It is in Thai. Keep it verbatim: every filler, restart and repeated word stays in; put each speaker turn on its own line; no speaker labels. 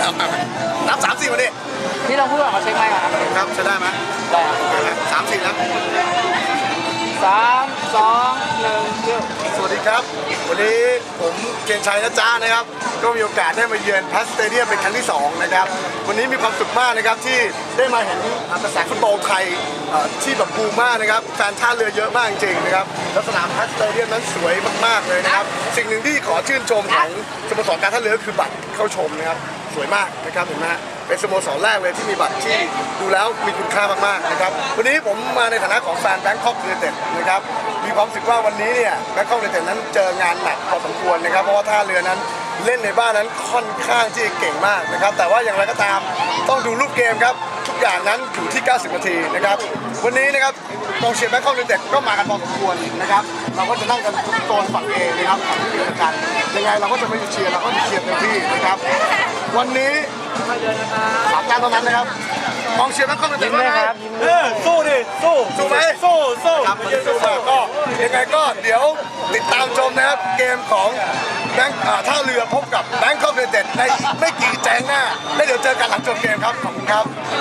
นับสามสี่มาดิ
พี่ลองพูดก่อนเขาเช็คไหมค์ครับ
ครับใช้ได้ไหม
ได้ครับ
โอเคไหมสามสี่นะ
สามสองหนึ่งเริ่ม
สวัสดีครับ วันนี้ผมเกณฑ์ชัยนะจ๊ะนะครับ ก็มีโอกาสได้มาเยือนพัสสเตเดียมเป็นครั้งที่สองนะครับ วันนี้มีความสุขมากนะครับที่ได้มาเห็นกระแสฟุตบอลไทยเอ่อที่แบบบูมมากนะครับแฟนท่าเรือเยอะมากจริงๆนะครับแล้วสนามพัสสเตเดียมนั้นสวยมากๆเลยนะครับสิ่งหนึ่งที่ขอชื่นชมของสโมสรการท่าเรือคือบัตรเข้าชมนะครับสวยมากนะครับเห็นไหมฮะเป็นสโมสรแรกเลยที่มีบัตรที่ดูแล้วมีคุณค่ามากๆนะครับวันนี้ผมมาในฐานะของแฟนแบงคอกยูไนเต็ดนะครับมีความรู้สึกว่าวันนี้เนี่ยแบงคอกยูไนเต็ดนั้นเจองานหนักพอสมควรนะครับเพราะว่าท่าเรือนั้นเล่นในบ้านนั้นค่อนข้างที่จะเก่งมากนะครับแต่ว่าอย่างไรก็ตามต้องดูรูปเกมครับทุกอย่างนั้นอยู่ที่ เก้าสิบ นาทีนะครับวันนี้นะครับกองเชียร์แบงคอกยูไนเต็ดก็มากันพอสมควรนะครับเราก็จะนั่งกันทุกโซนฝั่งเอนะครับฝั่งที่อยู่กันยังไงเราก็จะไม่เชียร์เราก็จะเชียร์เต็มที่นะครับวันนี้สามการเท่านั้นนะครับกองเชียร์แบงคอกยูไนเต็ดว่าไง
เออสู้ดิสู้
สู้ไหม
สู้สู้
ครับมันจะสู้มากก็ยังไงก็เดี๋ยวติดตามชมนะครับเกมของแบงค์อ่าท่าเรือพบกับแบงคอกยูไนเต็ดในอีกไม่กี่แจ้งหน้าแล้วเดี๋ยวเจอกันหลังจบเกมครับขอบคุณครับ